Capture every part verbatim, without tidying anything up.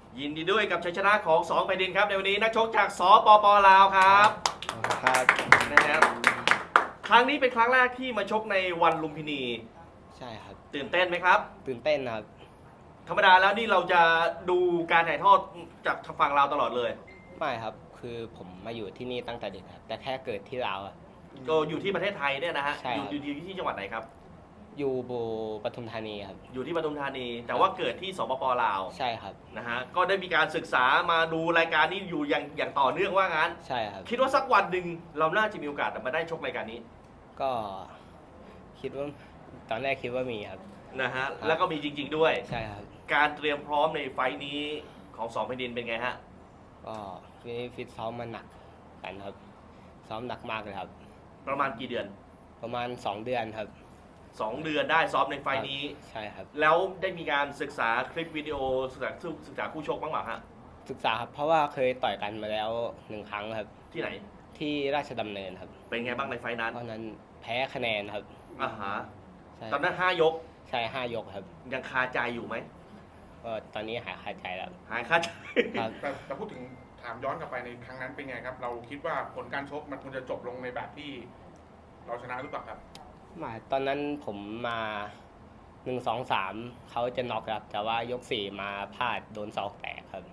ยินดีด้วยกับชัยชนะของสองแผ่นดินครับในวันนี้นักชกจากสปปลาวครับครับนะครับครั้งนี้เป็นครั้งแรกที่มาชกในวันลุมพินีใช่ครับตื่นเต้นไหมครับตื่นเต้นครับธรรมดาแล้วนี่เราจะดูการถ่ายทอดจากฝั่งลาวตลอดเลยไม่ครับคือผมมาอยู่ที่นี่ตั้งแต่เด็กครับแต่แค่เกิดที่ลาวก็อยู่ที่ประเทศไทยเนี่ยนะฮะใช่อยู่อยู่ที่จังหวัดไหนครับอยู่บูปทุมธานีครับอยู่ที่ปทุมธานีแต่ว่าเกิดที่สปปลาวใช่ครับนะฮะก็ได้มีการศึกษามาดูรายการนี้อยู่อย่างอย่างต่อเนื่องว่างั้นใช่ครับคิดว่าสักวันหนึ่งเราน่าจะมีโอกาสมาได้ชกรายการนี้ก็คิดว่าตอนแรกคิดว่ามีครับนะฮะแล้วก็มีจริงๆด้วยใช่ครับการเตรียมพร้อมในไฟล์นี้ของสองแผ่นดินเป็นไงฮะก็ฟิตฟิตซ้อมมาหนักกันครับซ้อมหนักมากเลยครับประมาณกี่เดือนประมาณสองเดือนครับสองเดือนได้ซ้อมในไฟล์นี้ใช่ครับแล้วได้มีการศึกษาคลิปวิดีโอศึกษาศึกษาคู่ชกบ้างไหมฮะศึกษาครับเพราะว่าเคยต่อยกันมาแล้วหนึ่งครั้งครับที่ไหนที่ราชดำเนินครับเป็นไงบ้างในไฟล์นั้นตอนนั้นแพ้คะแนนครับอ่าฮะตอนนั้นห้ายกใช่ห้ายกครับยังคาใจอยู่ไหมก็ตอนนี้หายคาใจแล้วหายคาใจแต่แต่พูดถึงถามย้อนกลับไปในครั้งนั้นเป็นไงครับเราคิดว่าผลการชกมันควรจะจบลงในแบบที่เราชนะหรือเปล่าครับมาตอนนั้นผมมาหนึ่งสองสามเขาจะน็อกครับแต่ว่ายกสี่มาพลาดโดนศอกแตกครับ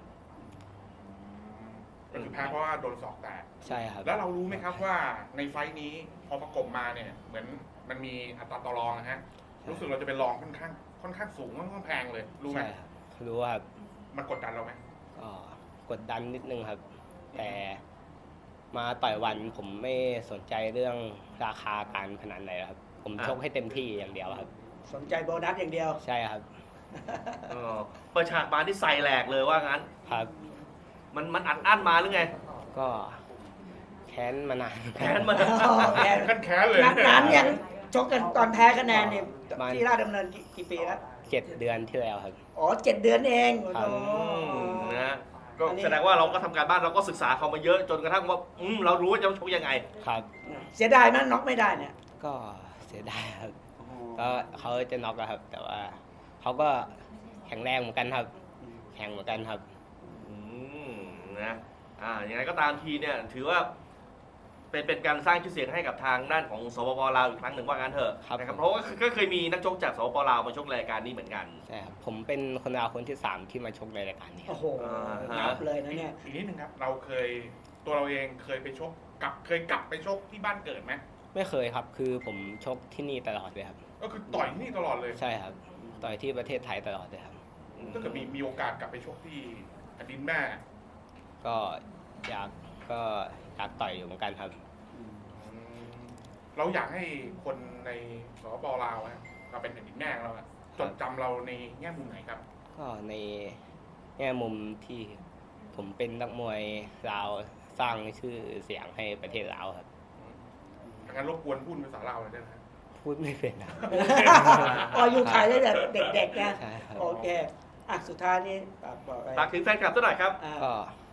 ก็คือแพ้เพราะว่าโดนศอกแตกใช่ครับแล้วเรารู้ไหมครับว่าในไฟท์นี้พอประกบมาเนี่ยเหมือนมันมีอัตราต่อรองนะฮะรู้สึกเราจะเป็นรองค่อนข้างค่อนข้างสูงค่อนข้างแพงเลยรู้ไหมรู้ครับมันกดดันเราไหมก็กดดันนิดนึงครับแต่มาต่อยวันผมไม่สนใจเรื่องราคาการพนันเลยครับผมชกให้เต็มที่อย่างเดียวครับสนใจโบนัสอย่างเดียวใช่ครับเปิดฉากมาที่ใส่แหลกเลยว่างั้นครับมันมันอัดอั้นมาหรือไงก็แค้นมานานแค้นมานานแค้นแค้นเลยนั้นยังชกกันตอนแพ้คะแนนเนี่ยที่ราชดำเนินกี่ปีแล้วเจ็ดเดือนที่แล้วครับอ๋อเจ็ดเดือนเองนะก็แสดงว่าเราก็ทำการบ้านเราก็ศึกษาเขามาเยอะจนกระทั่งว่าอืมเรารู้ว่าจะชกยังไงครับเสียดายมั้ยน็อกไม่ได้เนี่ยก็เสียดายครับก็เขาจะน็อกครับแต่ว่าเขาก็แข็งแรงเหมือนกันครับแข็งเหมือนกันครับอืมนะอ่าอย่างไรก็ตามทีเนี่ยถือว่าเป็นเป็นการสร้างชื่อเสียงให้กับทางด้านของสปปลาวอีกครั้งหนึ่งว่างั้นเถอะนะครับเพราะว่าก็เคยมีนักชกจากสปปลาวมาชกรายการนี้เหมือนกันใช่ครับผมเป็นคนลาวคนที่สามที่มาชกในรายการนี้โอ้โหนับเลยนะเนี่ยอีกนิดนึงครับเราเคยตัวเราเองเคยไปชกกับเคยกลับไปชกที่บ้านเกิดไหมไม่เคยครับคือผมชกที่นี่ตลอดเลยครับก็คือต่อยที่นี่ตลอดเลยใช่ครับต่อยที่ประเทศไทยตลอดเลยครับถ้าเกิดมีมีโอกาสกลับไปชกที่แผ่นดินแม่ก็อยากก็อยากต่อยอยู่เหมือนกันครับเราอยากให้คนในสปปลาวเราเป็นแผ่นดินแม่เราจดจำเราในแง่มุมไหนครับก็ในแง่มุมที่ผมเป็นนักมวยลาวสร้างชื่อเสียงให้ประเทศลาวครับงั้นรบกวนพูดภาษาลาวเลยได้ไหมพูดไม่เป็นนะอ๋ออยู่ไทยตั้งแต่เด็กๆนะโอเคอ่ะสุดท้ายนี้ฝากถึงแฟนคลับสักหน่อยครับก็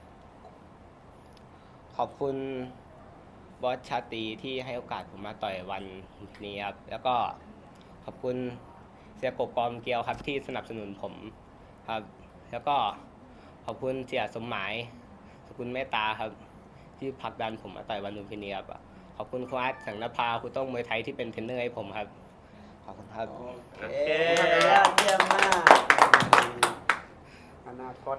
ขอบคุณบอสชาตรีที่ให้โอกาสผมมาต่อยวันนี้ครับแล้วก็ขอบคุณเสียกบกอมเกียวครับที่สนับสนุนผมครับแล้วก็ขอบคุณเสียสมหมายขอบคุณเมตตาครับที่ผลักดันผมมาต่อยวันลุมพินีครับขอบคุณครูอาร์ตสังนภาครูต้องมวยไทยที่เป็นเทรนเนอร์ให้ผมครับขอบคุณครับโอเคเยี่ยมมากอนาคต